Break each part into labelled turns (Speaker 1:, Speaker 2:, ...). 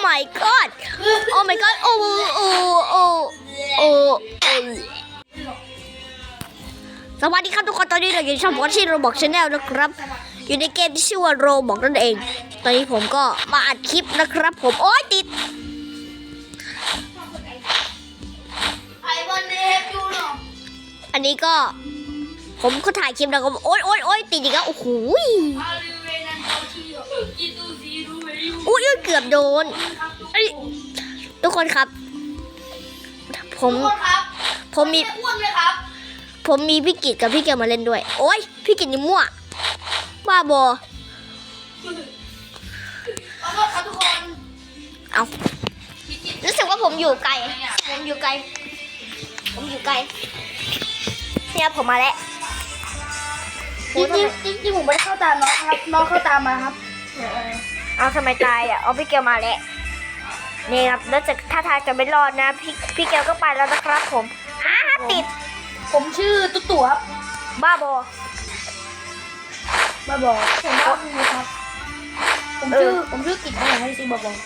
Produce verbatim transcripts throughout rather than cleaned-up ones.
Speaker 1: my god โอ้ my god โอ้โอ้โอ้โอ้สวัสดีครับทุกคนตอนนี้เราอยู่ในช่องของที่โรบอกชาแนลนะครับอยู่ในเกมที่ชื่อว่าโรบอกนั่นเองตอนนี้ผมก็มาอัดคลิปนะครับผมโอ๊ยติดอันนี้ก็ผมก็ถ่ายคลิปแล้วก็โอ๊ยโอ๊ยโอ๊ยติดอีกแล้วโอ้โหอุ้ยเกือบโดนทุกคนครับผมผมมีผมมีพี่กิจกับพี่เกียวมาเล่นด้วยโอ๊ยพี่กิจนี่มั่วบ้าบอเอารู้สึกว่าผมอยู่ไกลผมอยู่ไกลผมอยู่ไกลเนี่ยผมมาแล้วจริงจริงจริงผมไม่ได้เข้าตามน้องครับน้องเข้าตามมาครับเอาทำไมตายอ่ะเอาพี่เกียวมาแล้วนี่ครับแล้วจะถ้าทางจะไม่รอดนะพี่พี่เกียวก็ไปแล้วนะครับผมฮ่าติดผมชื่อตุ๊ตู่ครับบ้าบอบ้าบอผมบ้าบอครับผมชื่อผมชื่อกิจอะไรให้ซิบ้าบอ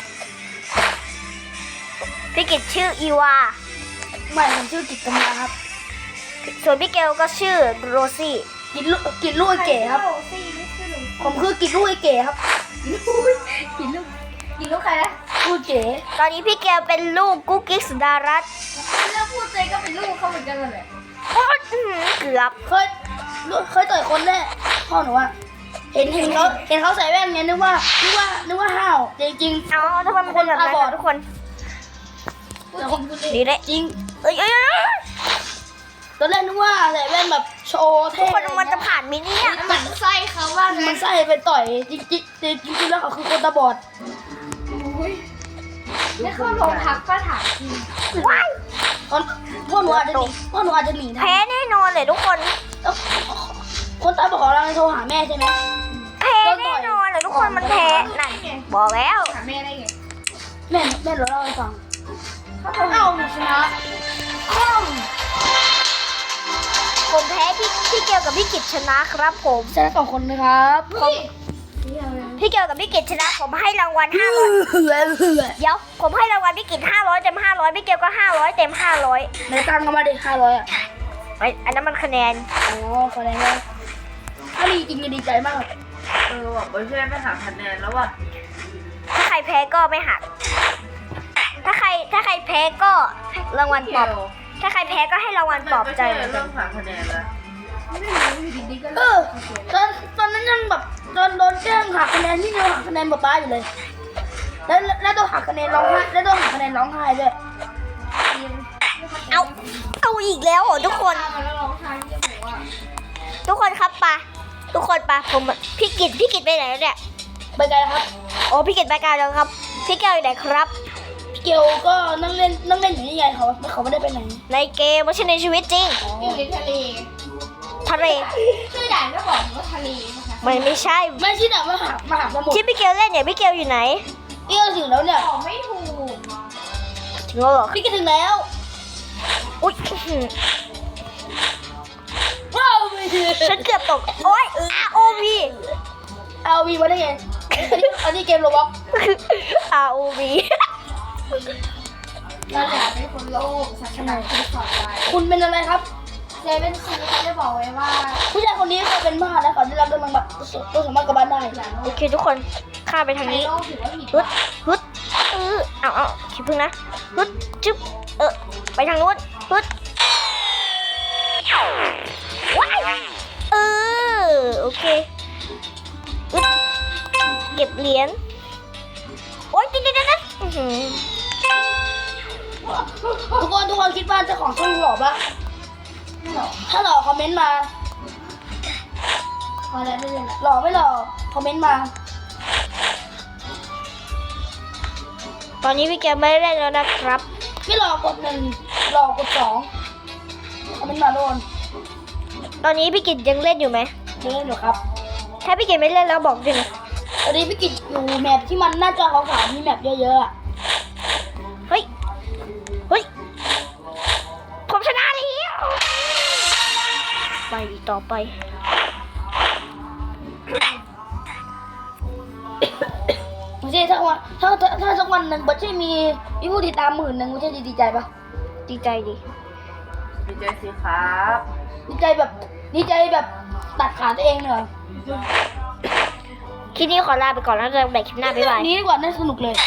Speaker 1: พี่กิจชื่ออีวาไม่ผมชื่อกิจกำลาครับส่วนพี่เกลก็ชื่อโรซี่กิจลูกกิจลูกไอเก๋ครับผมคือกิจลูกไอเก๋ครับกิจลูกกิจลูกใครนะลูกเก๋ตอนนี้พี่เกลเป็นลูกกุ๊กกิ๊กสุดารัตน์แล้วพูดใจก็เป็นลูกเขาเหมือนกันเลยโอ๊ยเกือบเคยเคยต่อยคนแน่พ่อหนูว่าเห็นเห็นเขาเห็นเขาใส่แว่นเนี้ยนึกว่านึกว่านึกว่าห้าวจริงจริงอ๋อทุกคนเป็นแบบนั้นทุกคนดีเลยจริงเอ้ยเอ้ยตอนแรกนึกว่าใส่แว่นแบบโชว์เท่ทุกคนมันจะผ่านมินี่มันไส้เขาว่ามันไส้ไปต่อยจริงจริงจริงจริงแล้วเขาคือคนตาบอดไม่เข้าโรงพักก็ถามจริงว้ายพ่อหนูอาจจะหนีพ่อหนูอาจจะหนีแพ้แน่นอนเลยทุกคนคนตาบอดของเราโทรหาแม่ใช่ไหมแพ้แน่นอนเลยทุกคนมันแพ้นั่นบอกแล้วหาแม่ได้ไงแม่แม่เราเล่าให้ฟังเอาหนูชนะผมแพ้พี่พี่เกียวกับพี่กิจชนะครับผมชนะสองคนนะครับพี่เกียวกับพี่กิจชนะผมให้รางวัลห้าร้อยเดี๋ยวผมให้รางวัลพี่กิจห้าร้อยเต็มห้าร้อยพี่เกียวก็ห้าร้อยเต็มห้าร้อยในตังค์ก็มาดิห้าร้อยอ่ะไออันนั้นมันคะแนนอ๋อคะแนนถ้าดีจริงจะดีใจมาก
Speaker 2: เออว่ะไม่ใช่ไม่หักคะแนนแล้วว่ะ
Speaker 1: ถ้าใครแพ้ก็ไม่หักถ้าใครถ้าใครแพ้ก็รางวัลปลอบถ้าใครแพ้ก็ให้รางวัลปลอบใจเหมือนกัน
Speaker 2: เรื่องหักคะแนนแล้ว
Speaker 1: เออตอนตอนนั้นยังแบบโดนโดนแกล้งหักคะแนนที่เราหักคะแนนป้าอยู่เลยแล้วแล้วต้องหักคะแนนร้องไห้แล้วต้องหักคะแนนร้องไห้ด้วยเอาเอาอีกแล้วเหรอทุกคนทุกคนครับปะทุกคนปะผมพี่กิจพี่กิจไปไหนแล้วเนี่ยไปไกลครับโอ้พี่กิจไปไกลแล้วครับพี่แก้วอยู่ไหนครับเกียวก็นั่งเล่นนั่งเล่นอยู่นี่ไงเขาเขาไม่ได้ไปไหนในเกมไม่ใช่ในชีวิตจริง
Speaker 3: อยู่ในทะเล
Speaker 1: ทะเล
Speaker 3: ชื่อด่านก็บอกว่าทะเลนะคะ
Speaker 1: ไม่ไม่ใช่
Speaker 3: ไม่ใช่ด่านมหามหาสมุทร
Speaker 1: ที่พี่เกียวเล่นเนี่ยพี่เกียวอยู่ไหน
Speaker 3: พี่เกียวถึงแล้วเนี่ยบอกไม่ถูก
Speaker 1: ถึงแล้วเหรอ
Speaker 3: พี่เกียวถึงแล้ว
Speaker 1: อุ้ย
Speaker 3: ว้าว
Speaker 1: ฉันเกือบตกโอ๊ย อาร์ โอ วี
Speaker 3: อาร์ โอ วี มาได้ไงอันนี้เกมโรบล็อก
Speaker 1: อาร์ โอ วี
Speaker 3: เราอยากเป็นคนโลภศาสนาที่สอนไว้คุณเป็นอะไรครับเจเป็นซีเขาได้บอกไว้ว่าผู้ชายคนนี้เขาเป็นบ้าแล้วเขาได้รับกำลังแบบตัวสามารถกลับบ้านได้
Speaker 1: โอเคทุกคนข้าไปทางนี้ฮึดฮึดเออเอาเอาคิดพึ่งนะฮึดจึ๊บเออไปทางนู้นฮึดว้ายเออโอเคฮึดเก็บเหรียญโอ๊ยติดติดติด
Speaker 3: ทุกคนทุกคนคิดว่าเจ้าของช่องหล่อปะถ้าหล่อคอมเมนต์มาพอแล้วไม่เลยหล่อไม่หล่อคอมเมนต์มา
Speaker 1: ตอนนี้พี่แกไม่ได้แล้วนะครับ
Speaker 3: ไม่หล่อกดหนึ่งหล่อกดสองคอมเมนต์มาโดน
Speaker 1: ตอนนี้พี่กิจยังเล่นอยู่ไหม
Speaker 3: ยังเล่นอยู่ครับ
Speaker 1: ถ้าพี่กิจไม่เล่นแล้วบอกด้วยนะ
Speaker 3: ตอนนี้พี่กิจอยู่แมปที่มันหน้าจอขาวๆมีแมปเยอะๆ
Speaker 1: เฮ้ยเฮ้ยผมชนะแล้วไปต่อไป
Speaker 3: ไม่ใช่ถ้าว่าถ้าถ้าถ้าสักวันหนึ่งบัชชี่มีมีผู้ติดตามหมื่นหนึ่งบัชชี่จะดีใจปะ
Speaker 1: ดีใจดิ
Speaker 2: ดีใจสิครับ
Speaker 3: ดีใจแบบดีใจแบบตัดขาตัวเองเหรอ
Speaker 1: คลิปนี้ขอลาไปก่อนแล้วเจอกันใหม่คลิปหน้าบ๊ายบาย
Speaker 3: นี้ดีกว่าน่าสนุกเลย